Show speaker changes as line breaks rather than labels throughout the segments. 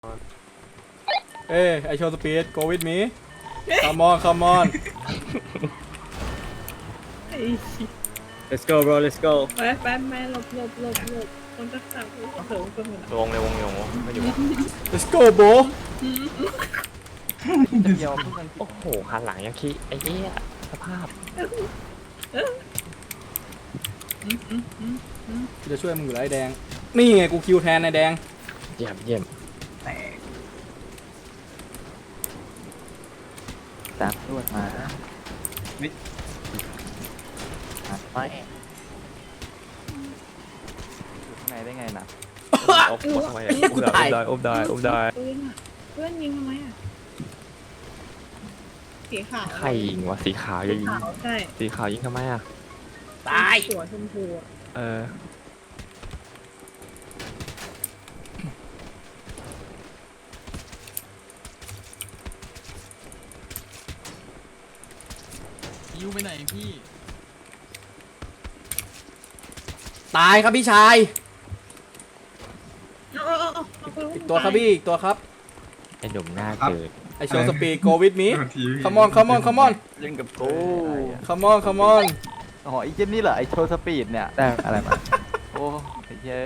เอ้ยไอโชว์สปีด go with me come on come on
Let's go bro let's go
ไปหลบคนจะขับเถิงคนหมด
วงเลยวงไม่อยู่
let's go bro
โอ้โหหันหลังยังขี้ไอ้เหี้ยสภาพ
กูจะช่วยมึงอยู่แล้วไอ้แดงนี่ไงกูคิวแทนไอ้แดง
เยี่ยมเยี่ยม
ตามตรวจมาไม่อยู่ข้างในได้ไงนะ
อบทำไมอบได้
เพื่อนยิงทำไมอ่ะสีขาว
ใครยิงวะสีขาวยิง
ขาวใช่
สีขาวยิงทำไมอ่ะ
ตาย
หัวชมพูอ่ะ
เออ
ยิวไปไหนพี่
ตายครับพี่ชาย
เอา
อีกตัวครับพี่อีกตัวครับ
ไอ้หนุ่มหน้าเกิด
ไอโชว์สปีด go with me come on come on come on
เล่นกับกู
come on come on
อ๋อไอ้เจนนี่เหรอไอ้โชว์สปีดเนี่ยได้อะไรมาโอ้ไอ้เย้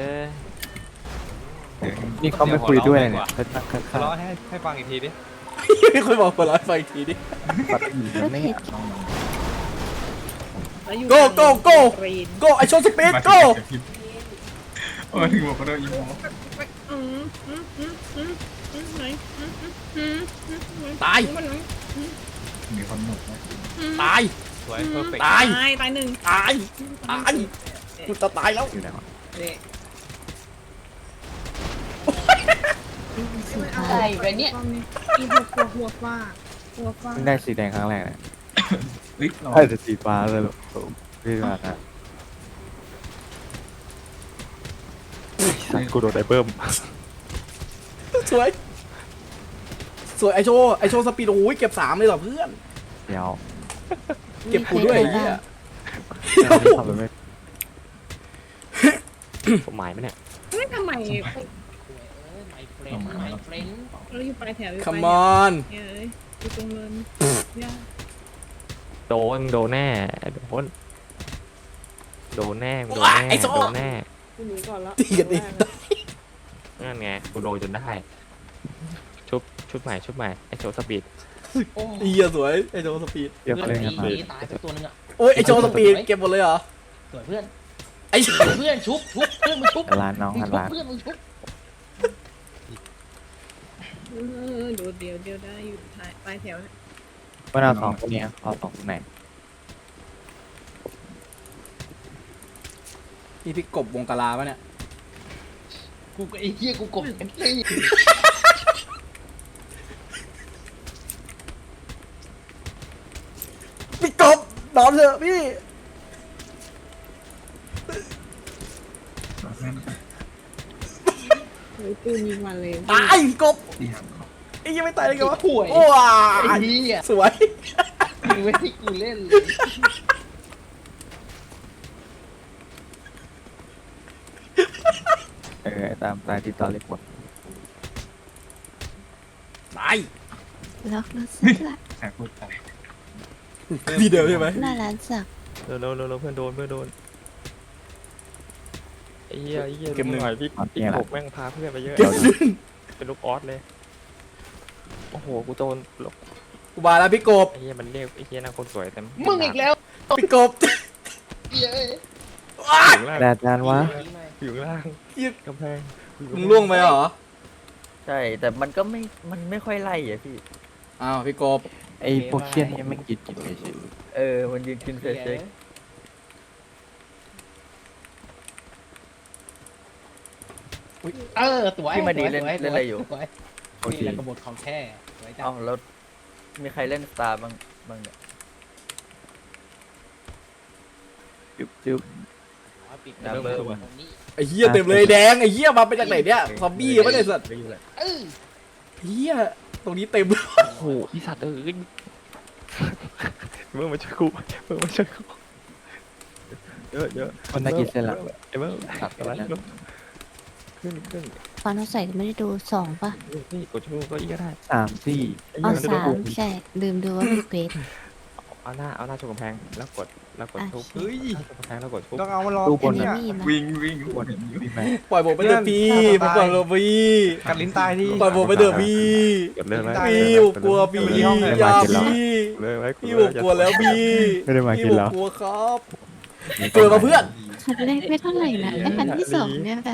นี่เขาไม่คุยด้วยเนี่ยเขาตั้งข้าง
ร้องให้ฟังอีกทีดิ
ไม่ค่อยบอกคนร้อยไฟทีดิ
ๆปัดอีกไม่เห็น
go go go go ไอโชว์สปีด go
มาถึงบอกก็โดนอีโม
ตาย
มีคนหนุกนะ
ตาย
สวยเพอร์เฟกต์
ตาย
ตายหนึ่ง
ตายตายกูจะตายแล้ว
อยู่ไหนวะ
ใช่ไปเนี่ยอีหัวฟ้า
เพิ่งได้สีแดงครั้งแรกเนี่ย
เฮ้ยเรา
ได้แต่สีฟ้าเลยหรอพี่มานะสัตว์กูโดนไอ้เบิ้ม
สวยสวยไอโชว์ไอโชว์สปีดโอ้ยเก็บ3เลยเหรอเพื่อน
เดี๋ยว
เก็บกูด้วยไอ้เหี้ย
ทำไปไม่
ผมหมายไหมเนี่ย
ไม่ทำไม
เอามาแล้ว
เราอยู่ปลายแถว
คัมอน
เอ้ยอยู่ตรงเนินย่า
โดนแน่โดนแน่โดนแน่
คุณหนูก่อนแล้ว
ตีกันอีก
นั่นไงกูโดนจนได้ชุดใหม่ไอ้โชว์สปีด
เหี้ยสวยไอโชว์สปีด
เดี๋ยวเขาเล่นกันมา
ตายไปตัวนึงอ่ะ
โอ้ยไอโชว์สปีดเก็บหมดเลยเหรอ
สวยเพื่อน
ไอโชว์
เพื่อนชุบเพื่อนมึงชุบ
ร้านน้อง
มึง
ร้าน
ชุบเพื่อนมึงชุบ
เดี๋ยวได้อยู่ปลายแถว
ว่าเราสองคนนี้เอาสองคนไหน
นี่พี่กบวงกะลาปะเนี่ย
กูไอ้เหี้ยกูกบเอ็นตี้
พี่กบนอนเถอะพี่
เฮ้ยปืนยิงมาเลย
ตายพี่กบ
ตีหันเขา
ไอ้ยังไม่ตายเลยกันวะ
ห่วย
โอ้ย
ไอ้เหี้ย
สวย
มึงไม่ให้กูเล่นเลย
ตามที่ตอนเล็กหมด
ตาย
ล็อกรถสักละ
แสบพูดไป
พี่เดิมใช่ไหม
หน้าร้านสัก
เร็วเพื่อนโดนไอ้เหี้ยหน่อยพี่ผมแม่งพาเพื่อนไปเยอะ
เก็บหนึ่ง
เป็นลูกออสเลยโอ้โหกูโดน
กูมาแล้วพี่กบ
ไอ้เหี้ยมันเรียกไอ้เหี้ยนางคนสวยเต็ม
มึงอีกแล้ว
พี่กบ
เหี้ยเอ้ย
ว้าย
อยู่ล่าง
แดดจานวะ
อยู่ล่าง
เหี้ย
กำแพง
มึงล่วงไปเหรอ
ใช่แต่มันก็มันไม่ค่อยไล่อ่ะพี่
อ้าวพี่กบ
ไอ้พวกเคียนนี่ไม่กินเฉยมันยืนกินเฉย
เออสวย
พี่มาดีเล่นอะไรอยู่
สวยนี่แหละกบฏของแท้สวยจั
เอ้าง แล้วมีใครเล่นสตาร์บ้างเนี่ยจุ๊บ
ปิด
น้ำเบอร์
ตรงนี้
ไอ้เหี้ยเต็มเลยแดงไอ้เหี้ยมาเป็นจากไหนเนี่ยซอมบี้ไม่ได้สัตว์
เออ
เหี้ยตรงนี้เต็มเลย
โอ้โหอีสัตว์เอ้ยมึงมาช่วยกูเยอะ
คนน่ากินเส้นละ
ไอ้เบิ้ง
ตัดกันแล้ว
ขึ้น
ตอนเราใส่ไม่ได้ดู2ป่ะ
นี่กดชูก็อีกก็ได้
3 4
เอา3ใช่ลืมดูว่ามีเควส
เอาหน้าชนกำแพงแล้วกดทุบ
เฮ้ย
ชนกำแพงแล้วกดทุบ
ต้องเอามารอ
ตู้บ
อั
น
นนี้
น่ะ
มีนะ
วิ่งทุกคนเห็นอยู่
พี่แม่
ปล่อยผมไปเถอะพี่ผมปล่อยผมพี่
กัดลิ้นตายที่
ปล่อยผมไปเถอะพี่
กดเลิกแล้ว
พี่ผมกลัวพี่อย่าพี่
เลิกแล้ว
พี่ผมกลัวแล้วพี่
ไม่ได้มา
พี่
กิน
ผม
แล้ว
กลัวครับเกิดมาเพื่อน
คันแรกไม่เท่าไหร่นะไอ้คันที่2เนี่ยแบบ